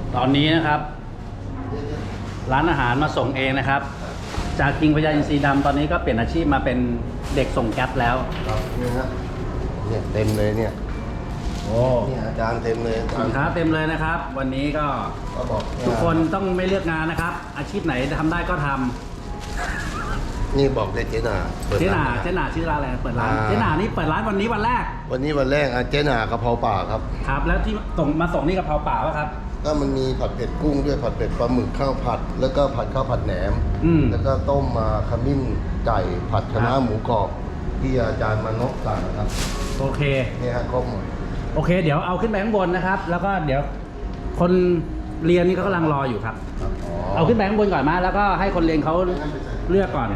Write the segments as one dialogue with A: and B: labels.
A: ตอนนี้นะครับร้านอาหารมาส่งเองนะครับ จากคิงพญาอินทรีดำตอนนี้ก็เปลี่ยนอาชีพมาเป็นเด็กส่งแก๊ปแล้ว
B: ครับนี่ฮะเนี่ยเต็มเลยเนี่ยโอ้เนี่ยอาจารย์เต็มเลย
A: สินค้าเต็มเลยนะครับ วันนี้ก็
B: บอก
A: ทุกคนต้องไม่เลือกงานนะครับ อาชีพไหนทำได้ก็ทำ
B: นี่บอกเลยเจน่า
A: เจน่าชื่อร้านอะไรเปิดร้านเจน่านี่เปิดร้านวันนี้วันแรก
B: เจน่ากะเพราป่าครับ
A: ครับแล้วที่ส่งนี่กะเพราป่าป่ะครับ
B: ก็มันมีผัดเผ็ดกุ้งด้วยผัดเผ็ดปลาหมึกข้าวผัดแล้วก็ผัดข้าวผัดแหนมแล้วก็ต้มมาขมิ้นไก่ผัดคะน้าหมูกรอบที่อาจารย์มานพสั่งนะครับ
A: โอเค
B: นี่ฮะครบหมด
A: โอเคเดี๋ยวเอาขึ้นไปข้างบนนะครับแล้วก็เดี๋ยวคนเรียนนี่ก็กำลังรออยู่ครับเอาขึ้นไปข้างบนก่อนมาแล้วก็ให้คนเรียนเขาเลือกก่อน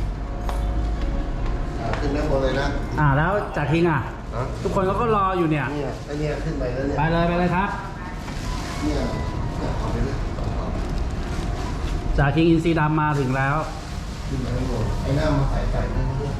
B: ขึ้นไปข้างบนเลยนะ
A: แล้วจากคิงทุกคนเขาก็รออยู่เนี่ย
B: ไอเนี่ยขึ้นไปแล้วเนี่ย
A: ไปเลยครับ
B: เนี่ยเอาไปเลย
A: จากคิงอินทรีดำมาถึงแล้ว
B: ขึ้นไปข้างบนไอ้หน้ามาใส่ไก่นี่ด้วย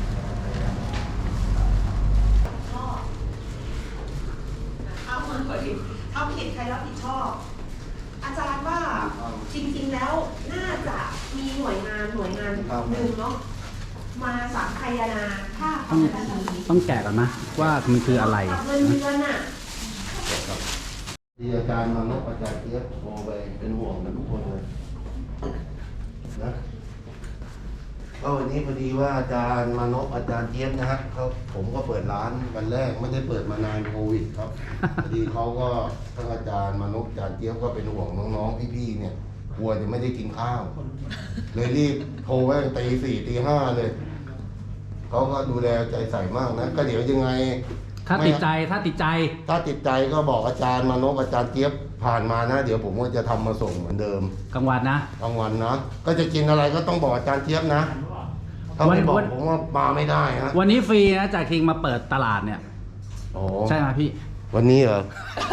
C: เอาผิดใครรับผิดชอบอาจารย์ว่าจริงๆแล้วน่าจะมีหน่วยงานหนึ่งเนาะมาสังคายนาถ้าทำแบบนี้
A: ต้องแกะก่อนนะว่ามันคืออะไร
C: เงินเดือนน่ะ
B: ที่อาจารย์มานพอาจารย์เจี๊ยบโทรไปเป็นห่วงกันทุกคนเลยนะก็วันนี้พอดีว่าอาจารย์มานพอาจารย์เจี๊ยบนะฮะผมก็เปิดร้านวันแรกไม่ได้เปิดมานานโควิดครับพอดีเขาก็ทั้งอาจารย์มานพอาจารย์เจี๊ยบก็เป็นห่วงน้องๆพี่ๆเนี่ยกลัวจะไม่ได้กินข้าวเลยรีบโทรไว้ตี 4 ตี 5เลยเขาก็ดูแลใจใส่มากนะก็เดี๋ยวยังไง
A: ถ้าติดใจ
B: ก็บอกอาจารย์มานพอาจารย์เจี๊ยบผ่านมานะเดี๋ยวผมก็จะทำมาส่งเหมือนเดิม
A: กลางวันนะ
B: ก็จะกินอะไรก็ต้องบอกอาจารย์เจี๊ยบนะถ้าไม่บอกผมว่ามาไม่ได้ฮะ
A: วันนี้ฟรีนะจากคิงมาเปิดตลาดเนี่ยใช่ไหมพี่
B: วันนี้เหรอ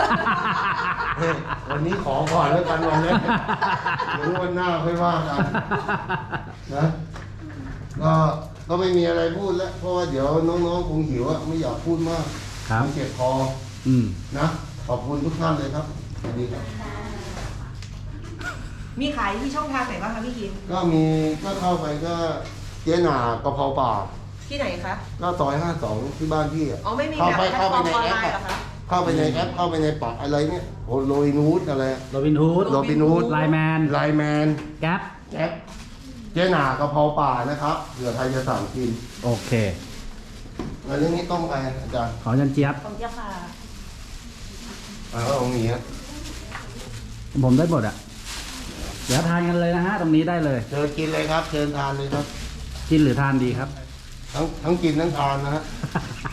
B: วันนี้ขอก่อนแล้วกันวันนี้เดี๋ยววันหน้าค่อยว่ากันนะก็ไม่มีอะไรพูดแล้วเพราะว่าเดี๋ยวน้องๆคงหิวไม่อยากพูดมากเจ็บคอนะขอบคุณทุกท่านเลยครับสวัสดีครับ
C: มีขายที่ช่องทางไหนบ้างคะพี่คิง
B: ก็เข้าไปก็เจ๊หน่ากะเพราป่า
C: ที่ไหนคะ
B: ก็ซอย52ที่บ้านพี่
C: ไม่มีแบบ
B: เข้าไปในแอปเข้าไปในแอปเข้าไปในปักอะไรเนี่ยโรบินฮูดอะไร
A: โรบินฮูดไลแมนแก๊ป
B: เจ๊หน่ากะเพราป่านะครับเผื่อใครจะสั่งกิน
A: โอเค
B: แล้วเรื่องนี้ต้องไปอาจารย์
A: ขอจันเจี๊ยบ
C: ค่ะ
B: ก็ตรงนี้
A: ผมได้หมดเดี๋ยวทานกันเลยนะฮะตรงนี้ได้เลย
B: เชิญกินเลยครับเชิญทานเลยครับ
A: กินหรือทานดีครับ
B: ทั้งกินทั้งทานนะฮะ